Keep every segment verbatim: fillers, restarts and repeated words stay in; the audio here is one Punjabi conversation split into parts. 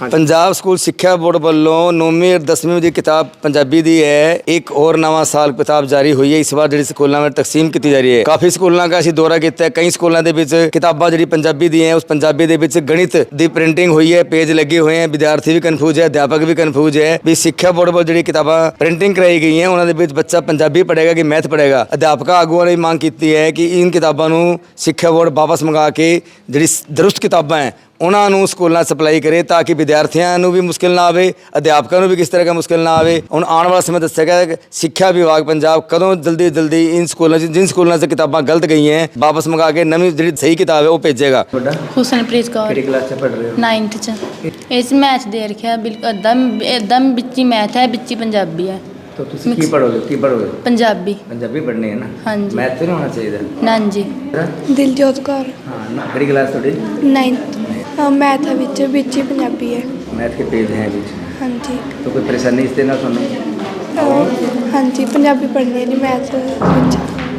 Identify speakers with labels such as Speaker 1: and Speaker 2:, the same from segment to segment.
Speaker 1: पंजाब स्कूल सिक्ख्या बोर्ड ਵੱਲੋਂ नौवीं और दसवीं ਦੀ किताब पंजाबी ਦੀ ਹੈ। एक और नवा साल किताब जारी हुई है। इस बार ਜਿਹੜੀ ਸਕੂਲਾਂ ਵਿੱਚ ਤਕਸੀਮ ਕੀਤੀ ਜਾ ਰਹੀ ਹੈ। ਕਾਫੀ ਸਕੂਲਾਂ ਦਾ ਅਸੀਂ ਦੌਰਾ ਕੀਤਾ ਹੈ। ਕਈ ਸਕੂਲਾਂ ਦੇ ਵਿੱਚ ਕਿਤਾਬਾਂ ਜਿਹੜੀ ਪੰਜਾਬੀ ਦੀ ਹੈ, ਉਸ ਪੰਜਾਬੀ ਦੇ ਵਿੱਚ ਗਣਿਤ ਦੀ ਪ੍ਰਿੰਟਿੰਗ ਹੋਈ ਹੈ, ਪੇਜ ਲੱਗੇ ਹੋਏ ਹੈ। ਵਿਦਿਆਰਥੀ ਵੀ ਕਨਫਿਊਜ਼ ਹੈ, ਅਧਿਆਪਕ ਵੀ ਕਨਫਿਊਜ਼ ਹੈ ਵੀ ਸਿੱਖਿਆ ਬੋਰਡ ਵੱਲੋਂ ਜਿਹੜੀ ਕਿਤਾਬਾਂ ਪ੍ਰਿੰਟਿੰਗ ਕਰਾਈ ਗਈ ਹੈ, ਉਹਨਾਂ ਦੇ ਵਿੱਚ ਬੱਚਾ ਪੰਜਾਬੀ ਪੜ੍ਹੇਗਾ ਕਿ ਮੈਥ ਪੜ੍ਹੇਗਾ। ਅਧਿਆਪਕ ਆਗੂਆਂ ਨੇ ਮੰਗ ਕੀਤੀ ਹੈ ਕਿ ਇਨ ਕਿਤਾਬਾਂ ਨੂੰ ਸਿੱਖਿਆ ਬੋਰਡ ਵਾਪਸ ਮੰਗਾ ਕੇ ਜਿਹੜੀ ਦਰੁਸਤ ਕਿਤਾਬਾਂ ਹੈ ਉਹਨਾਂ ਨੂੰ ਸਕੂਲਾਂ ਸਪਲਾਈ ਕਰੇ ਤਾਂ ਕਿ ਵਿਦਿਆਰਥੀਆਂ ਨੂੰ ਵੀ ਮੁਸ਼ਕਿਲ ਨਾ ਆਵੇ, ਅਧਿਆਪਕਾਂ ਨੂੰ ਵੀ ਕਿਸ ਤਰ੍ਹਾਂ ਦਾ ਮੁਸ਼ਕਿਲ ਨਾ ਆਵੇ। ਹੁਣ ਆਉਣ ਵਾਲਾ ਸਮੇਂ ਦੱਸਿਆ ਗਿਆ ਕਿ ਸਿੱਖਿਆ ਵਿਭਾਗ ਪੰਜਾਬ ਕਦੋਂ ਜਲਦੀ ਜਲਦੀ ਇਨ ਸਕੂਲਾਂ 'ਚ ਜਿਨ ਸਕੂਲਾਂ 'ਚ ਕਿਤਾਬਾਂ ਗਲਤ ਗਈਆਂ ਹੈ ਵਾਪਸ ਮੰਗਾ ਕੇ ਨਵੀਂ ਜਿਹੜੀ ਸਹੀ ਕਿਤਾਬ ਹੈ ਉਹ ਭੇਜੇਗਾ।
Speaker 2: ਹੁਸਨਪ੍ਰੀਤ ਕੌਰ
Speaker 1: ਕਿਹੜੀ ਕਲਾਸ 'ਚ ਪੜ੍ਹ ਰਹੇ ਹੋ?
Speaker 2: ਨਾਈਨਥ 'ਚ। ਇਸ ਮੈਥ ਦੇ ਰੱਖਿਆ ਬਿਲਕੁਲ ਅੱਧਾ ਅੱਧਾ ਵਿੱਚ ਹੀ ਮੈਥ ਹੈ, ਵਿੱਚ ਹੀ ਪੰਜਾਬੀ ਹੈ।
Speaker 1: तो तुसी की पढ़ोगे की पढ़ोगे?
Speaker 2: पंजाबी
Speaker 1: पंजाबी पढ़नी है ना?
Speaker 2: हाँ जी।
Speaker 1: मैथ तो नहीं होना चाहिए?
Speaker 2: ना जी।
Speaker 3: दिलजोत कौर
Speaker 1: हाँ, किहड़ी क्लास थोड़ी?
Speaker 3: नाइन्थ। मैथ है विच विच ही पंजाबी है।
Speaker 1: मैथ के पेज हैं बीच।
Speaker 3: हाँ जी।
Speaker 1: तो कोई परेशानी इससे ना सुनो?
Speaker 3: हाँ जी, पंजाबी पढ़नी है जी मैथ विच।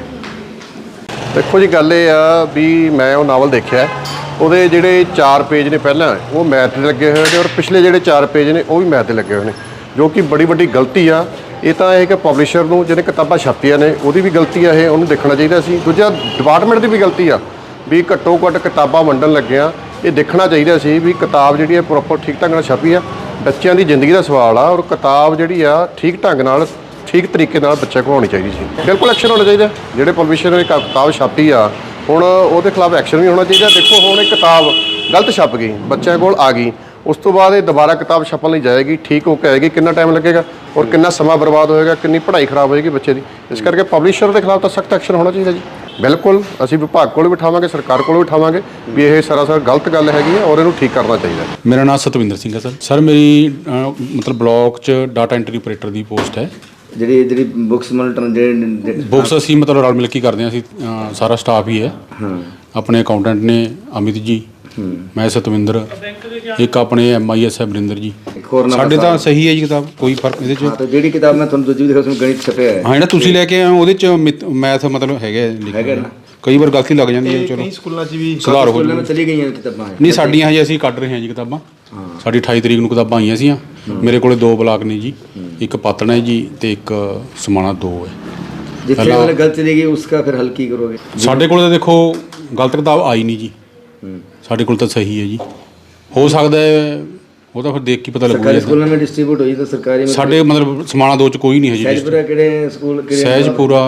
Speaker 4: देखो जी गल ये आ भी मैं वो नावल देखा ਉਹਦੇ ਜਿਹੜੇ ਚਾਰ ਪੇਜ ਨੇ ਪਹਿਲਾਂ ਉਹ ਮੈਥ ਦੇ ਲੱਗੇ ਹੋਏ ਨੇ ਔਰ ਪਿਛਲੇ ਜਿਹੜੇ ਚਾਰ ਪੇਜ ਨੇ ਉਹ ਵੀ ਮੈਥ ਦੇ ਲੱਗੇ ਹੋਏ ਨੇ, ਜੋ ਕਿ ਬੜੀ ਵੱਡੀ ਗਲਤੀ ਆ। ਇਹ ਤਾਂ ਇਹ ਕਿ ਪਬਲਿਸ਼ਰ ਨੂੰ ਜਿਹਨੇ ਕਿਤਾਬਾਂ ਛਾਪੀਆਂ ਨੇ ਉਹਦੀ ਵੀ ਗਲਤੀ ਆ, ਇਹ ਉਹਨੂੰ ਦੇਖਣਾ ਚਾਹੀਦਾ ਸੀ। ਦੂਜਾ ਡਿਪਾਰਟਮੈਂਟ ਦੀ ਵੀ ਗਲਤੀ ਆ ਵੀ ਘੱਟੋ ਘੱਟ ਕਿਤਾਬਾਂ ਵੰਡਣ ਲੱਗਿਆ ਇਹ ਦੇਖਣਾ ਚਾਹੀਦਾ ਸੀ ਵੀ ਕਿਤਾਬ ਜਿਹੜੀ ਹੈ ਪ੍ਰੋਪਰ ਠੀਕ ਢੰਗ ਨਾਲ ਛਾਪੀ ਆ। ਬੱਚਿਆਂ ਦੀ ਜ਼ਿੰਦਗੀ ਦਾ ਸਵਾਲ ਆ ਔਰ ਕਿਤਾਬ ਜਿਹੜੀ ਆ ਠੀਕ ਢੰਗ ਨਾਲ ਠੀਕ ਤਰੀਕੇ ਨਾਲ ਬੱਚੇ ਕੋਲ ਆਉਣੀ ਚਾਹੀਦੀ ਸੀ। ਬਿਲਕੁਲ ਐਕਸ਼ਨ ਹੋਣਾ ਚਾਹੀਦਾ। ਜਿਹੜੇ ਪਬਲਿਸ਼ਰ ਨੇ ਕਿਤਾਬ ਛਾਪੀ ਆ ਹੁਣ ਉਹਦੇ ਖਿਲਾਫ ਐਕਸ਼ਨ ਵੀ ਹੋਣਾ ਚਾਹੀਦਾ। ਦੇਖੋ ਹੁਣ ਇਹ ਕਿਤਾਬ ਗਲਤ ਛਪ ਗਈ, ਬੱਚਿਆਂ ਕੋਲ ਆ ਗਈ, ਉਸ ਤੋਂ ਬਾਅਦ ਇਹ ਦੁਬਾਰਾ ਕਿਤਾਬ ਛਪਣ ਲਈ ਜਾਏਗੀ, ਠੀਕ ਹੋ ਕੇ ਆਏਗੀ, ਕਿੰਨਾ ਟਾਈਮ ਲੱਗੇਗਾ ਔਰ ਕਿੰਨਾ ਸਮਾਂ ਬਰਬਾਦ ਹੋਏਗਾ, ਕਿੰਨੀ ਪੜ੍ਹਾਈ ਖਰਾਬ ਹੋਏਗੀ ਬੱਚੇ ਦੀ। ਇਸ ਕਰਕੇ ਪਬਲਿਸ਼ਰ ਦੇ ਖਿਲਾਫ ਤਾਂ ਸਖਤ ਐਕਸ਼ਨ ਹੋਣਾ ਚਾਹੀਦਾ ਜੀ। ਬਿਲਕੁਲ ਅਸੀਂ ਵਿਭਾਗ ਕੋਲ ਵੀ ਬਿਠਾਵਾਂਗੇ, ਸਰਕਾਰ ਕੋਲ ਵੀ ਬਿਠਾਵਾਂਗੇ ਵੀ ਇਹ ਸਰਾਸਰ ਗਲਤ ਗੱਲ ਹੈਗੀ ਹੈ ਔਰ ਇਹਨੂੰ ਠੀਕ ਕਰਨਾ ਚਾਹੀਦਾ।
Speaker 5: ਮੇਰਾ ਨਾਮ ਸਤਵਿੰਦਰ ਸਿੰਘ ਹੈ ਸਰ। ਸਰ ਮੇਰੀ ਅ, ਮਤਲਬ ਬਲਾਕ 'ਚ ਡਾਟਾ ਐਂਟਰੀ ਆਪਰੇਟਰ ਦੀ ਪੋਸਟ ਹੈ।
Speaker 1: ਜਿਹੜੀ ਜਿਹੜੀ ਬੁੱਕਸ ਮਤਲਬ ਜਿਹੜੇ
Speaker 5: ਬੁੱਕਸ ਅਸੀਂ ਮਤਲਬ ਰਲ ਮਿਲ ਕੇ ਕਰਦੇ ਹਾਂ। ਅਸੀਂ ਅ, ਸਾਰਾ ਸਟਾਫ ਹੀ ਹੈ। ਆਪਣੇ ਅਕਾਊਂਟੈਂਟ ਨੇ ਅਮਿਤ ਜੀ, ਮੈਂ ਸਤਵਿੰਦਰ, ਇੱਕ ਆਪਣੇ ਐਮ ਆਈ ਐਸ ਹੈ ਬਰਿੰਦਰ ਜੀ। ਸਾਡੇ ਤਾਂ ਸਹੀ ਹੈ ਜੀ ਕਿਤਾਬ, ਕੋਈ ਫਰਕ ਇਹਦੇ 'ਚ।
Speaker 1: ਹਾਂ, ਤਾਂ ਜਿਹੜੀ ਕਿਤਾਬ ਮੈਂ ਤੁਹਾਨੂੰ ਦੂਜੀ ਵੀ ਦਿਖਾਈ ਗਣਿਤ ਛਪਿਆ ਹੈ।
Speaker 5: ਹਾਂ, ਜਿਹੜਾ ਤੁਸੀਂ ਲੈ ਕੇ ਆਏ ਉਹਦੇ 'ਚ ਮੈਥ ਮਤਲਬ ਹੈਗਾ ਲਿਖਿਆ ਨਾ, ਕਈ ਵਾਰ ਗਲਤੀ ਲੱਗ ਜਾਂਦੀ ਹੈ। ਚਲੋ
Speaker 6: ਸਕੂਲਾਂ 'ਚ ਵੀ
Speaker 5: ਸੁਧਾਰ ਹੋ
Speaker 1: ਸਕੂਲਾਂ ਵਿੱਚ ਚਲੀ ਗਈਆਂ ਕਿਤਾਬਾਂ
Speaker 5: ਨਹੀਂ ਸਾਡੀਆਂ ਹਜੇ ਅਸੀਂ ਕੱਢ ਰਹੇ ਹਾਂ ਜੀ ਕਿਤਾਬਾਂ। ਸਾਡੀ ਅਠਾਈ ਤਰੀਕ ਨੂੰ ਕਿਤਾਬਾਂ ਆਈਆਂ ਸੀਆਂ। ਮੇਰੇ ਕੋਲੇ ਦੋ ਬਲਾਕ ਨੇ ਜੀ, ਇੱਕ ਪਾਤਣਾ ਹੈ ਜੀ ਤੇ ਇੱਕ ਸਮਾਣਾ ਦੋ ਹੈ।
Speaker 1: ਜਿੱਥੇ ਵਾਲਾ ਗਲਤ ਚਲੀ ਗਈ ਉਸका ਫਿਰ ਹੱਲ ਕੀ ਕਰੋਗੇ?
Speaker 5: ਸਾਡੇ ਕੋਲ ਤਾਂ ਦੇਖੋ ਗਲਤ ਕਿਤਾਬ ਆਈ ਨਹੀਂ ਜੀ, ਸਾਡੇ ਕੋਲ ਤਾਂ ਸਹੀ ਹੈ ਜੀ। ਹੋ ਸਕਦਾ ਹੈ ਉਹ ਤਾਂ ਫਿਰ ਦੇਖ ਕੇ ਪਤਾ ਲੱਗੂਗਾ।
Speaker 1: ਸਰਕਾਰੀ ਸਕੂਲਾਂ ਵਿੱਚ ਡਿਸਟ੍ਰੀਬਿਊਟ ਹੋਈ ਤਾਂ ਸਰਕਾਰੀ
Speaker 5: ਸਾਡੇ ਮਤਲਬ ਸਮਾਣਾ ਦੋ 'ਚ ਕੋਈ ਨਹੀਂ ਹੈ ਜੀ।
Speaker 1: ਸਹਿਜਪੁਰਾ ਕਿਹੜੇ ਸਕੂਲ ਕਿਹੜੇ?
Speaker 5: ਸਹਿਜਪੁਰਾ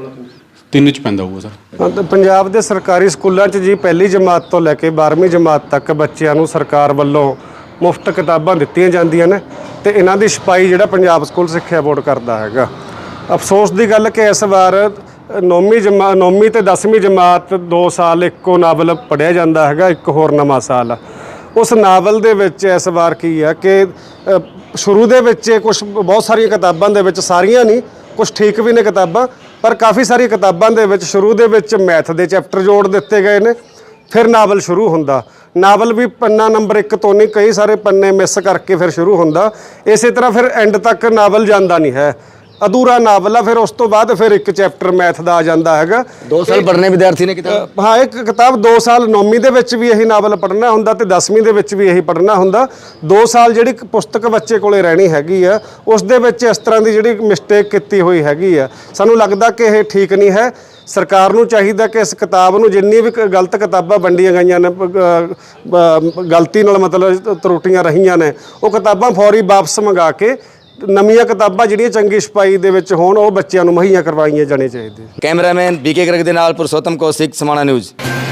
Speaker 5: ਤਿੰਨ 'ਚ ਪੈਂਦਾ ਹੋਊਗਾ ਸਰ।
Speaker 7: ਹਾਂ, ਤਾਂ ਪੰਜਾਬ ਦੇ ਸਰਕਾਰੀ ਸਕੂਲਾਂ 'ਚ ਜੀ ਪਹਿਲੀ ਜਮਾਤ ਤੋਂ ਲੈ ਕੇ ਬਾਰ੍ਹਵੀਂ ਜਮਾਤ ਤੱਕ ਬੱਚਿਆਂ ਨੂੰ ਸਰਕਾਰ ਵੱਲੋਂ ਮੁਫਤ ਕਿਤਾਬਾਂ ਦਿੱਤੀਆਂ ਜਾਂਦੀਆਂ ਨੇ ਤੇ ਇਹਨਾਂ ਦੀ ਛਪਾਈ ਜਿਹੜਾ ਪੰਜਾਬ ਸਕੂਲ ਸਿੱਖਿਆ ਬੋਰਡ ਕਰਦਾ ਹੈਗਾ। ਅਫਸੋਸ ਦੀ ਗੱਲ ਕਿ ਇਸ ਵਾਰ ਨੌਵੀਂ ਜਮਾ ਨੌਵੀਂ ਤੇ ਦਸਵੀਂ ਜਮਾਤ ਦੋ ਸਾਲ ਇੱਕੋ ਨਾਵਲ ਪੜ੍ਹਿਆ ਜਾਂਦਾ ਹੈਗਾ, ਇੱਕ ਹੋਰ ਨਵਾਂ ਸਾਲ। ਉਸ ਨਾਵਲ ਦੇ ਵਿੱਚ ਇਸ ਵਾਰ ਕੀ ਆ ਕਿ ਸ਼ੁਰੂ ਦੇ ਵਿੱਚ ਕੁਝ ਬਹੁਤ ਸਾਰੀਆਂ ਕਿਤਾਬਾਂ ਦੇ ਵਿੱਚ, ਸਾਰੀਆਂ ਨਹੀਂ, ਕੁਝ ਠੀਕ ਵੀ ਨੇ ਕਿਤਾਬਾਂ, ਪਰ ਕਾਫੀ ਸਾਰੀਆਂ ਕਿਤਾਬਾਂ ਦੇ ਵਿੱਚ ਸ਼ੁਰੂ ਦੇ ਵਿੱਚ ਮੈਥ ਦੇ ਚੈਪਟਰ ਜੋੜ ਦਿੱਤੇ ਗਏ ਨੇ। ਫਿਰ ਨਾਵਲ ਸ਼ੁਰੂ ਹੁੰਦਾ, ਨਾਵਲ ਵੀ ਪੰਨਾ ਨੰਬਰ ਇੱਕ ਤੋਂ ਨਹੀਂ, ਕਈ ਸਾਰੇ ਪੰਨੇ ਮਿਸ ਕਰਕੇ ਫਿਰ ਸ਼ੁਰੂ ਹੁੰਦਾ। ਇਸੇ ਤਰ੍ਹਾਂ ਫਿਰ ਐਂਡ ਤੱਕ ਨਾਵਲ ਜਾਂਦਾ ਨਹੀਂ ਹੈ, ਅਧੂਰਾ ਨਾਵਲ ਆ। ਫਿਰ ਉਸ ਤੋਂ ਬਾਅਦ ਫਿਰ ਇੱਕ ਚੈਪਟਰ ਮੈਥ ਦਾ ਆ ਜਾਂਦਾ ਹੈਗਾ।
Speaker 1: ਦੋ ਸਾਲ ਪੜ੍ਹਨੇ ਵਿਦਿਆਰਥੀ ਨੇ ਕਿਤਾਬ।
Speaker 7: ਹਾਂ, ਇੱਕ ਕਿਤਾਬ ਦੋ ਸਾਲ ਨੌਵੀਂ ਦੇ ਵਿੱਚ ਵੀ ਇਹੀ ਨਾਵਲ ਪੜ੍ਹਨਾ ਹੁੰਦਾ ਤੇ ਦਸਵੀਂ ਦੇ ਵਿੱਚ ਵੀ ਇਹੀ ਪੜ੍ਹਨਾ ਹੁੰਦਾ। ਦੋ ਸਾਲ ਜਿਹੜੀ ਪੁਸਤਕ ਬੱਚੇ ਕੋਲੇ ਰਹਿਣੀ ਹੈਗੀ ਆ ਉਸ ਦੇ ਵਿੱਚ ਇਸ ਤਰ੍ਹਾਂ ਦੀ ਜਿਹੜੀ ਮਿਸਟੇਕ ਕੀਤੀ ਹੋਈ ਹੈਗੀ ਆ, ਸਾਨੂੰ ਲੱਗਦਾ ਕਿ ਇਹ ਠੀਕ ਨਹੀਂ ਹੈ। ਸਰਕਾਰ ਨੂੰ ਚਾਹੀਦਾ ਕਿ ਇਸ ਕਿਤਾਬ ਨੂੰ ਜਿੰਨੀ ਵੀ ਗਲਤ ਕਿਤਾਬਾਂ ਵੰਡੀਆਂ ਗਈਆਂ ਨੇ, ਗਲਤੀ ਨਾਲ ਮਤਲਬ ਤਰੁੱਟੀਆਂ ਰਹੀਆਂ ਨੇ, ਉਹ ਕਿਤਾਬਾਂ ਫੌਰੀ ਵਾਪਸ ਮੰਗਾ ਕੇ ਨਵੀਆਂ ਕਿਤਾਬਾਂ ਜਿਹੜੀਆਂ ਚੰਗੀ ਛਪਾਈ ਦੇ ਵਿੱਚ ਹੋਣ ਉਹ ਬੱਚਿਆਂ ਨੂੰ ਮੁਹੱਈਆ ਕਰਵਾਈਆਂ ਜਾਣੀਆਂ ਚਾਹੀਦੀਆਂ।
Speaker 1: ਕੈਮਰਾਮੈਨ ਬੀਕੇ ਗਰਗ ਦੇ ਨਾਲ ਪੁਰਸ਼ੋਤਮ ਕੌਸ਼ਿਕ, ਸਮਾਣਾ ਨਿਊਜ਼।